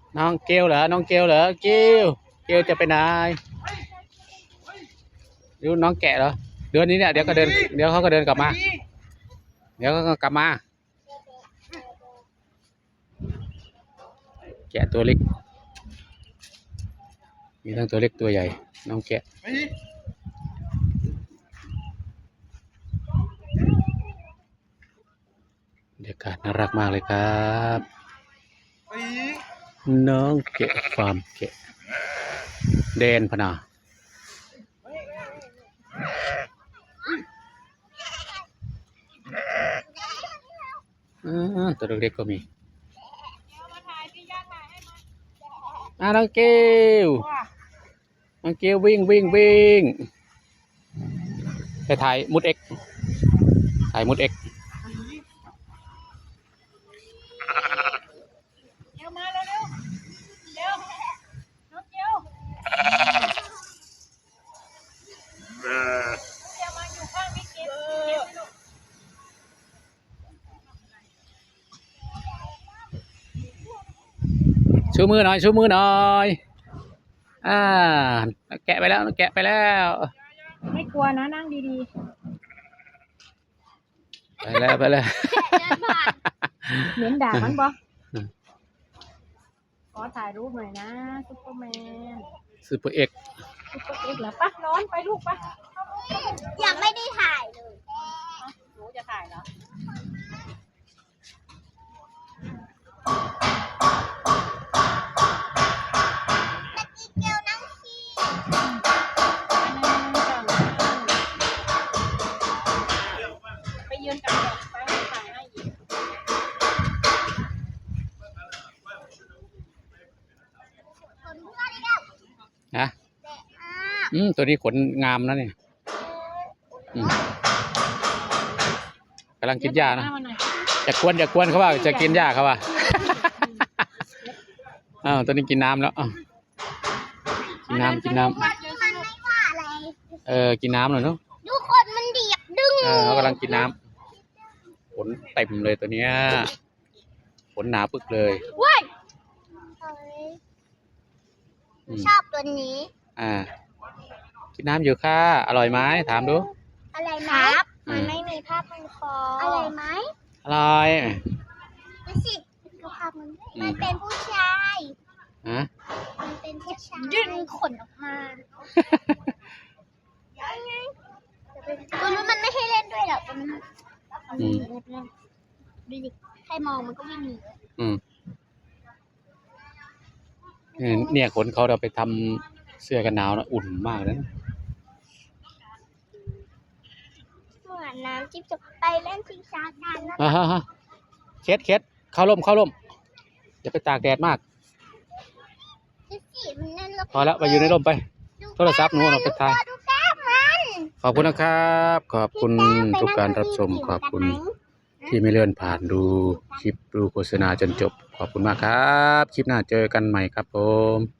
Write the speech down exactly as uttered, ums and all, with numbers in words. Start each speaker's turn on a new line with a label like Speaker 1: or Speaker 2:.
Speaker 1: น้องเกลเหรอน้องเกลเหรอเกลเกลจะไปไหนดูน้องแกะเหรอเดือนนี้เนี่ยเดี๋ยวก็เดินเดี๋ยวเขาก็เดินกลับมาเดี๋ยวก็กลับมาแกะตัวเล็กมีทั้งตัวเล็กตัวใหญ่น้องแกะบรรยากาศน่ารักมากเลยครับน้องแกะฟาร์มแกะแดนพนาตัวเล็กๆก็มีอ่ะน้องเกลน้องเกลวิ่งวิ่งวิ่งไปถ่ายมุดเอ็กถ่ายมุดเอ็ก
Speaker 2: เร็วมาเร็วเร็วเร็วน้องเกลน้องเกลมาอยู่ข้างพี่เกล
Speaker 1: ชูมือหน่อยชูมือหน่อยอ่าแกะไปแล้วแกะไปแล้ว
Speaker 2: ไม่กลัวนะนั่งดี
Speaker 1: ๆไปแล้วไปแล้ว
Speaker 2: เหม็นด่ามันบ่ขอถ่ายรูปหน่อยนะซุปเปอร์แมน
Speaker 1: ซุปเปอร์เอ็ก
Speaker 2: ซุปเปอร์เอ็กเหรอปะร้อนไปลูกปะ
Speaker 3: ยังไม่ได้ถ่ายเลย
Speaker 2: หนูจะถ่ายเหรอ
Speaker 3: เกลนั่งขี้
Speaker 2: ไปยืนกับแดดไปถ่ายให้อีก
Speaker 1: นะอืมตัวนี้ขนงามนะเนี่ยกำลังกินหญ้านะจะกวนจะกวนเขาว่าจะกินหญ้าเขาว่าอ้าวตัวนี้กินน้ำแล้วกินน้ำกินน้ำเออกินน้ำหน่อยเนาะ
Speaker 3: ดูคนมันเดียบดึง
Speaker 1: เออเขากำลังกินน้ำขนเต็มเลยตัวเนี้ยขนหนาปึกเลย
Speaker 3: ว้ายชอบตัวนี้
Speaker 1: อ่ากินน้ำอยู่ค่ะอร่อยไหมถามดู
Speaker 3: อะไรไหมมันไม่มีผ้าพันคออะไรไหม
Speaker 1: อร่อย
Speaker 3: ดูสิดูภาพมันมันเป็นผู้ชาย
Speaker 1: ฮะ
Speaker 3: มันเป็นผู้ชายดึงขนออกมายังไงตัวนู้นมันไม่ให้เล่นด้วยหรอกตัวนู้น
Speaker 1: อืม
Speaker 3: ดูดิใครมองมันก็ไม่มี
Speaker 1: อืมเนี่ยขนเขาเราไปทำเสื้อกันหนาวนะอุ่นมากเลยนะ
Speaker 3: เหมือนน้ำจิ๊บจบไปเล่นชิงช้ากันนะ
Speaker 1: อ่าฮะเคสเคสเข้าร่มเข้าร่มอย่าไปตากแดดมากพอแล้วไปอยู่ในร่มไปโทรศัพท์หนูเราไปถ่ายขอบคุณนะครับขอบคุณทุกการรับชมขอบคุณที่ไม่เลื่อนผ่านดูคลิปดูโฆษณาจนจบขอบคุณมากครับคลิปหน้าเจอกันใหม่ครับผม